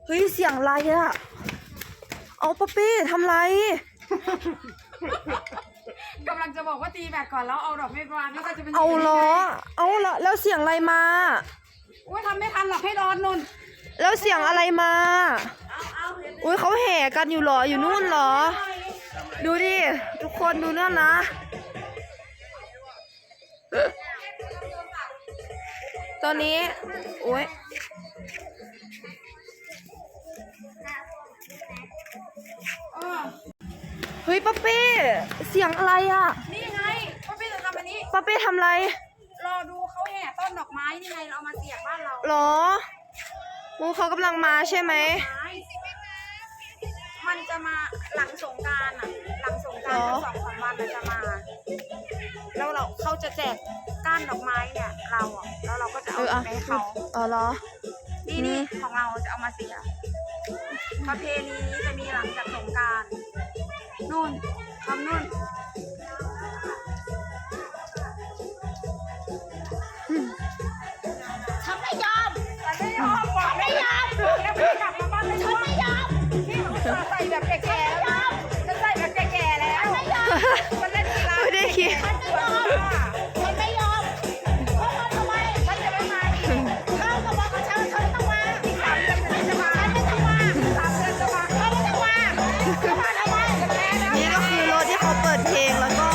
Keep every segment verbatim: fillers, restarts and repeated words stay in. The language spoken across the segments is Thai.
เฮ้ยเสียงอะไรอะเอาป๊อปปี้ทำไรกำลังจะบอกว่าตีแบตก่อนแล้วเอาดอกไม้วางแล้วก็จะเป็นเอาล้อเอาละแล้วเสียงอะไรมาอุ้ยทำไม่ทันหรอกให้รอนนุ่นแล้วเสียงอะไรมาอุ้ยเขาแห่กันอยู่หรออยู่นู่นหรอดูดิทุกคนดูนั่นนะตอนนี้โอ้ยเฮ้ยป๊อปปี้เสียงอะไรอ่ะนี่ไงป้าปี้จะทำอันนี้ป๊อปปี้ทำอะไรรอดูเขาแห่ต้นดอกไม้นี่ไงเราเอามาเสียบบ้านเราหรอมูเขากำลังมาใช่ไหมมันจะมาหลังสงกรานต์อ่ะหลังสงกรานต์สองสามวันมันจะมาแล้วเราเขาจะแจกก้านดอกไม้เนี่ยเราอ่ะแล้วเราก็จะเอาไปให้เขาอ๋อเหรอนี่นี่ของเราจะเอามาเสียประเพณีนี้จะมีหลังจากสงกรานต์นู่นทำนู่นฉันไม่ยอมฉันไม่ยอมบอกไม่ยอมแล้วไม่กลับมาบ้านเลยฉันไม่ยอมนี่มันใส่แบบแก่ๆแล้วฉันใส่แบบแก่ๆแล้วไม่ยอมมันเล่นกีฬาไม่ได้คิดฉันไม่ยอมฉันไม่ยอมเข้ามาทำไมฉันจะไม่มาอีกเข้าก็บอกกับฉันฉันต้องมาอีกสามเดือนฉันจะมาฉันไม่ต้องมาสามเดือนจะมาฉันไม่ต้องมาเข้ามาทำไมนี่ก็คือรถที่เขาเปิดเพลงแล้วก็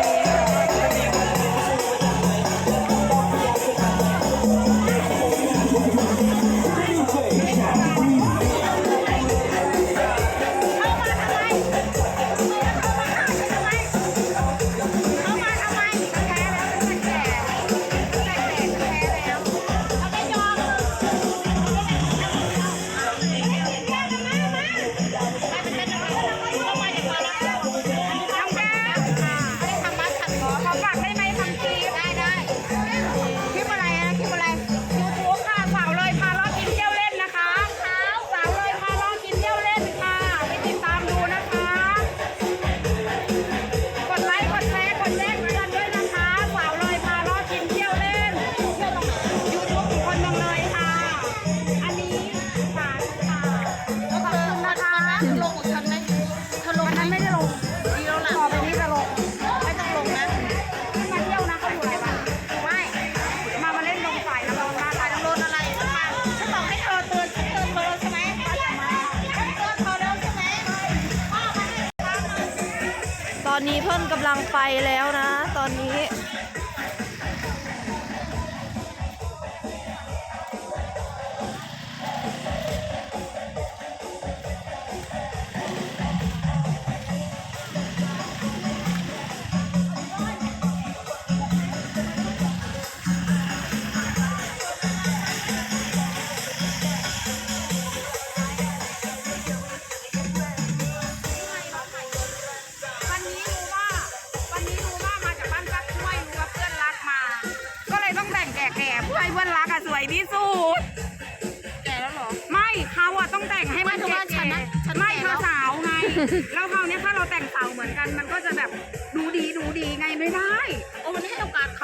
ตอนนี้เพิ่นกำลังไปแล้วนะตอนนี้เพื่อนรักอะสวยที่สุดแก่แล้วหรอไม่เขาอะต้องแต่งให้มันแก่ๆไม่เธอสาวไงแล้วคราวนี้ถ้าเราแต่งสาวเหมือนกันมันก็จะแบบดูดีดูดีไงไม่ได้โอ้มันให้โอกาสเขา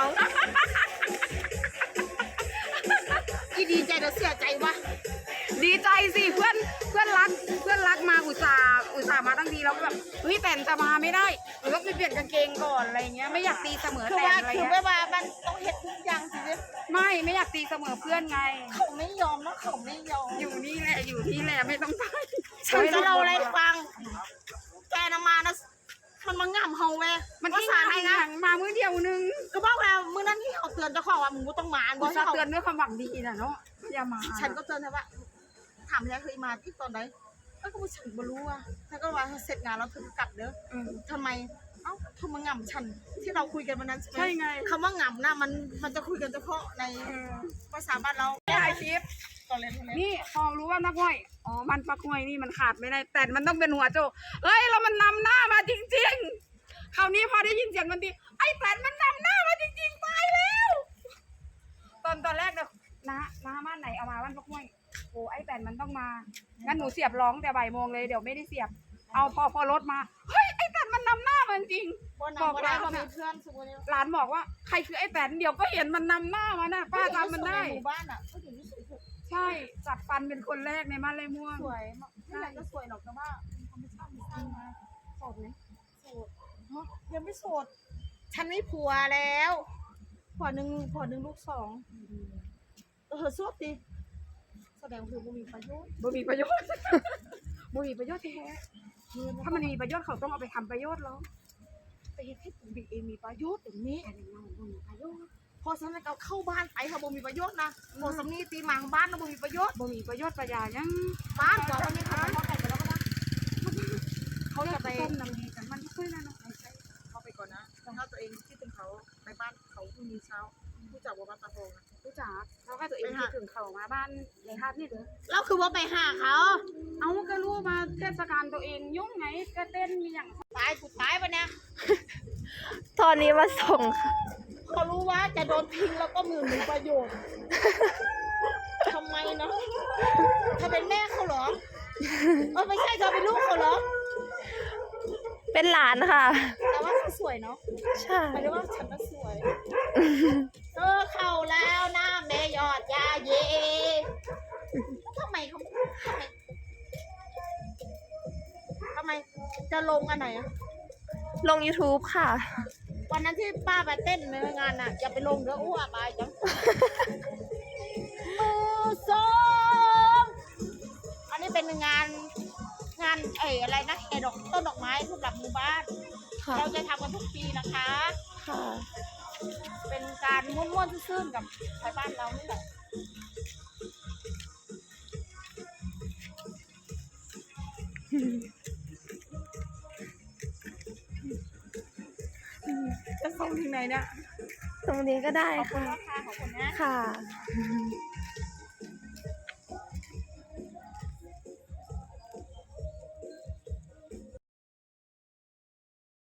อีดีใจเดี๋ยวเสียใจวะดีใจสิเพื่อนเพื่อนรักเพื่อนรักมาอุตส่าห์อุตส่าห์มาตั้งทีแล้วแบบเฮ้ยแต่งจะมาไม่ได้หรือว่าไปเปลี่ยนกางเกงก่อนอะไรเงี้ยไม่อยากตีเสมอแต่อะไรเงี้ยคือไม่ว่ามันต้องเฮ็ดทุกอย่างสิไม่ไม่อยากตีเสมอเพื่อนไงเขาไม่ยอมนะเขาไม่ยอมอยู่นี่แหละอยู่นี่แหละไม่ต้องไปฉันจะเล่าอะไรฟังแกน่ะมานะมันมาง่ำเฮาเว้มันที่มาให้นะมามื้อเดียวนึงก็บอกแล้วมื้อนั้นที่เขาเตือนเจ้าของว่ามึงต้องมาบอกให้เขาเตือนด้วยความหวังดีนะเนาะอย่ามาฉันก็เตือนเธอว่าถามแล้วเคยมาที่ตอนไหนก็คือฉันไม่รู้อ่ะฉันก็ว่าเสร็จงานแล้วเธอกลับเด้อทำไมเอ้าเธอมาง่ำฉันที่เราคุยกันวันนั้นใช่ไหมใช่ไงคำว่าง่ำนะมันมันจะคุยกันเฉพาะในภาษาบ้านเราถ่ายคลิปนี่พอรู้ว่านักห้อยอ๋อมันปักห้อยนี่มันขาดไม่ได้แต่มันต้องเป็นหัวโจเฮ้ยเรามันนำหน้ามาจริงๆคราวนี้พอได้ยินเสียงมันดีไอ้แต่มันนำหน้ามาจริงๆตายแล้วตอนตอนแรกเนี่ยน้าน้าบ้านไหนเอามาบ้านปักห้อยโอ้ไอ้แต่มันต้องมางั้นหนูเสียบร้องแต่บ่ายโมงเลยเดี๋ยวไม่ได้เสียบเอาพอพอรถมาเฮ้ยไอ้แต่มันนำหน้ามันจริงบอกร้านมีเพื่อนสมมติร้านบอกว่าใครคือไอ้แตนเดี๋ยวก็เห็นมันนำหน้ามาน่ะป้าจำมันได้หมู่บ้านอ่ะเขาอยู่ที่สุดใช่ช่จัดฟันเป็นคนแรกในบ้านไรม่วงสวยมากไม่อยากจะสวยหรอกแต่ว่าธรรมชาติมันสร้างมาโสดไหมโสดเนาะยังไม่โสดฉันไม่ผัวแล้วผัวหนึ่งผัวหนึ่งลูกสองเออสวดดิแสดงคือบ่มีประโยชน์บ่มีประโยชน์ บ่มีประโยชน์แท้ถ้ามันมีประโยชน์เขาต้องเอาไปทำประโยชน์แล้วไปเฮ็ดให้ตัวเองมีประโยชน์อย่างนี้แต่เราบ่มีประโยชน์พอสำนักเราเข้าบ้านไปค่ะบ่มีประโยชน์นะพอสำนีตีหมาของบ้านเราบ่มีประโยชน์บ่มีประโยชน์ประหยายังบ้านก่อนวันนี้เขาเขาแต่งไปแล้วก็นะเขาจะไปต้มน้ำดีกันมันทุกคนนะเนาะเข้าไปก่อนนะถ้าตัวเองคิดถึงเขาไปบ้านเขาพรุ่งนี้เช้าผู้จับว่าบ้านตะโพงนะรู้จักเราก็ตัวเองคิดถึงเขามาบ้านในฮาดนี่เด้อเราคือว่าไปหาเขาเอาก็รู้มาเทศกาลตัวเองยุ่งไงก็เต้นมีอย่างตายกูตายปะเนี่ยตอนนี้มาส่งค่ะเขารู้ว่าจะโดนทิ้งแล้วก็มือมีประโยชน์ทำไมเนาะเธอเป็นแม่เขาเหรอเออไม่ใช่เธอเป็นลูกเขาเหรอเป็นหลานค่ะแต่ว่าเขาสวยเนาะใช่หมายถึงว่าฉันก็สวยเออเข้าแล้วหน้าแม่ยอดยาเยทำไมเขาทำไมทำไมจะลงอันไหนอะลง YouTube ค่ะวันนั้นที่ป้าไปเต้นในงานน่ะอย่าไปลงเด้ออ้วกไปจังมือสองอันนี้เป็นงานงานเอ๋อะไรนะแห่ดอกต้นดอกไม้สำหรับหมู่บ้านค่ะเราจะทำกันทุกปีนะคะค่ะเป็นการม่วนๆซื่นๆกับชาวบ้านเรานี่แหละจะส่งถึงไหนเนี่ยตรงนี้ก็ได้ขอบคุณค่ะนะคะขอบคุณนะค่ะ